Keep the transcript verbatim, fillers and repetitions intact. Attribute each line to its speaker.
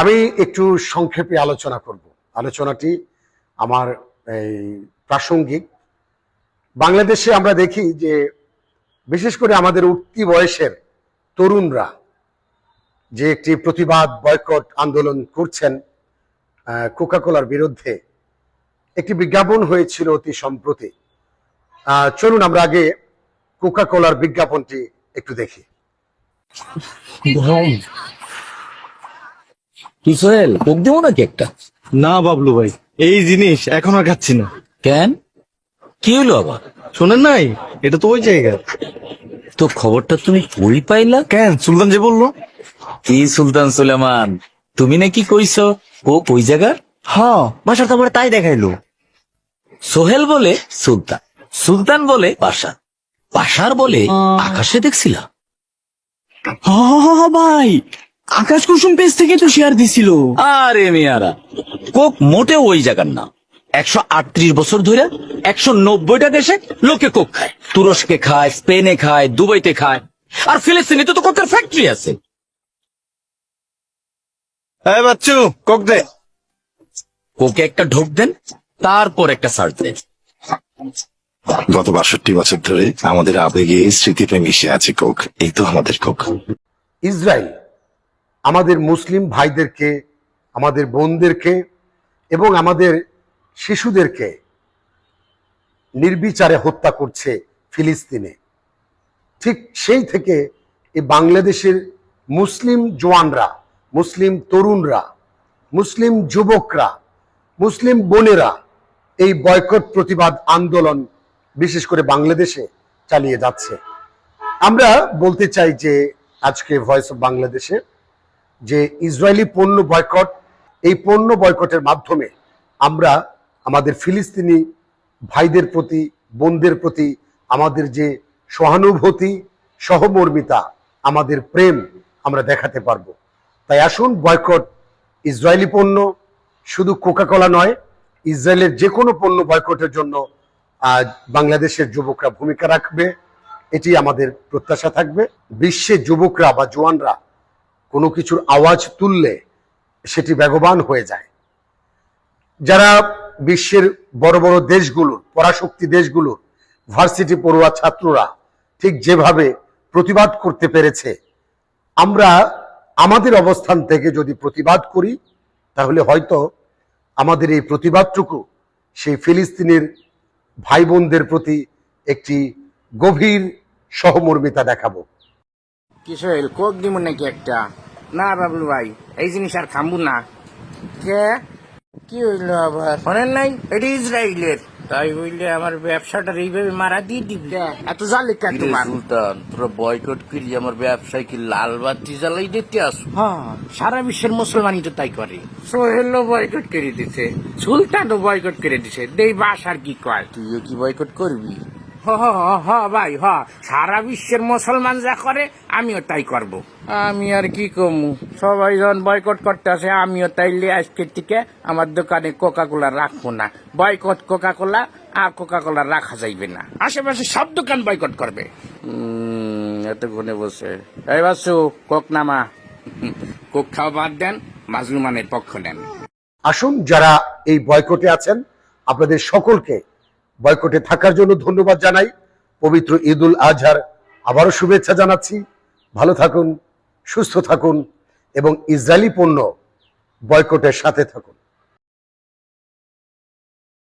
Speaker 1: আমি একটু সংক্ষেপে আলোচনা করব। আলোচনাটি আমার এই প্রাসঙ্গিক। বাংলাদেশে আমরা দেখি যে বিশেষ করে আমাদের উঠতি বয়সের তরুণরা যে একটি প্রতিবাদ বয়কট আন্দোলন করছেন কোকাকোলার বিরুদ্ধে, একটি বিজ্ঞাপন হয়েছিল অতি সম্প্রতি। চলুন আমরা আগে কোকাকোলার বিজ্ঞাপনটি একটু দেখি।
Speaker 2: কি সোহেল, কোক দেবো নাকি একটা?
Speaker 3: না বাবলু ভাই, এই জিনিস এখন আর খাচ্ছি না।
Speaker 2: কেন, কি হলো আবার?
Speaker 3: শোনেন নাই, এটা তো ওই জায়গা।
Speaker 2: তো খবরটা তুমি কই পাইলা?
Speaker 3: কেন, সুলতান যে বললো।
Speaker 2: কি সুলতান সুলেমান? তুমি নাকি কইছো ও ওই জায়গার?
Speaker 3: হ্যাঁ, বাসার তো আমার তাই দেখাইলো।
Speaker 2: সোহেল বলে সুলতান, সুলতান বলে বাসার, বাসার বলে আকাশে দেখছিলা।
Speaker 3: হ্যাঁ ভাই, আকাশ কুসুম পেজ থেকে তো শেয়ার দিছিল।
Speaker 2: আরে মিয়ারা, কোক মোটেও ওই জায়গার না। একশো আটত্রিশ বছর ধরে একশো নব্বইটা দেশে লোকে কোক খায়। তুরস্কে খায়, স্পেনে খায়, দুবাইতে খায়, আর ফিলিস্তিনে তো কোকের ফ্যাক্টরি আছে।
Speaker 3: এই বাচ্চু, কোক দে।
Speaker 2: কোকে একটা ঢোক দেন, তারপর একটা সার্চ দেন।
Speaker 4: গত বাষট্টি বছর ধরে আমাদের আবেগে স্মৃতিতে মিশে আছে কোক। এই তো আমাদের কোক।
Speaker 1: ইসরায়েল আমাদের মুসলিম ভাইদেরকে, আমাদের বোনদেরকে এবং আমাদের শিশুদেরকে নির্বিচারে হত্যা করছে ফিলিস্তিনে। ঠিক সেই থেকে এই বাংলাদেশের মুসলিম জওয়ানরা, মুসলিম তরুণরা, মুসলিম যুবকরা, মুসলিম বোনেরা এই বয়কট প্রতিবাদ আন্দোলন বিশেষ করে বাংলাদেশে চালিয়ে যাচ্ছে। আমরা বলতে চাই যে আজকে ভয়েস অফ বাংলাদেশে যে ইসরায়েলি পণ্য বয়কট, এই পণ্য বয়কটের মাধ্যমে আমরা আমাদের ফিলিস্তিনি ভাইদের প্রতি, বোনদের প্রতি আমাদের যে সহানুভূতি, সহমর্মিতা, আমাদের প্রেম আমরা দেখাতে পারবো। তাই আসুন বয়কট ইসরায়েলি পণ্য, শুধু কোকাকোলা নয়, ইসরায়েলের যে কোনো পণ্য বয়কটের জন্য আজ বাংলাদেশের যুবকরা ভূমিকা রাখবে, এটি আমাদের প্রত্যাশা থাকবে। বিশ্বের যুবকরা বা জওয়ানরা কোনো কিছুর আওয়াজ তুললে সেটি বেগবান হয়ে যায়। যারা বিশ্বের বড় বড় দেশগুলোর, পরাশক্তি দেশগুলোর ভার্সিটি পড়ুয়া ছাত্ররা ঠিক যেভাবে প্রতিবাদ করতে পেরেছে, আমরা আমাদের অবস্থান থেকে যদি প্রতিবাদ করি তাহলে হয়তো আমাদের এই প্রতিবাদটুকু সেই ফিলিস্তিনের ভাই বোনদের প্রতি একটি গভীর সহমর্মিতা দেখাবো।
Speaker 5: কিশোর কোক দিব নাকি একটা? না বাবলু ভাই, এই জিনিস আর খামবো না। কে কি হইলো আবার? শোনেন নাই, এটা ইসরায়েলের। তাই হইলে আমার ব্যবসাটা এইভাবে মারা দিয়ে দিবি? এত জালে কেন তোমার?
Speaker 2: সুলতান, তোরা বয়কট করি আমার ব্যবসায় কি লাল বাতি জ্বালাই দিতে আসো?
Speaker 5: হ্যাঁ, সারা বিশ্বের মুসলমানই তো তাই করে। সোহেলও বয়কট করে দিছে, সুলতানও বয়কট করে দিছে। দেই বাস আর কি কয়?
Speaker 2: তুইও কি বয়কট করবি?
Speaker 5: হ হ হ ভাই, হ, সারা বিশ্বের মুসলমান যা করে আমিও তাই করব। আমি আর কি কমু, সবাই যখন বয়কট করতে আসে আমিও তাইলে আজকের থেকে আমার দোকানে কোকা কোলা রাখবো না। বয়কট কোকা কোলা, আর কোকা কোলা রাখা যাইবে না। আশেপাশে সব দোকান বয়কট করবে। হম এতক্ষণে বসে এই বাসু, কোক নামা। কোক খাওয়া বাদ দেন, মাজলুমানের পক্ষ নেন।
Speaker 1: আসুন, যারা এই বয়কটে আছেন আপনাদের সকলকে বয়কটে থাকার জন্য ধন্যবাদ জানাই। পবিত্র ঈদ উল আজহার আবারও শুভেচ্ছা জানাচ্ছি। ভালো থাকুন, সুস্থ থাকুন এবং ইসরায়েলি পণ্য বয়কটের সাথে থাকুন।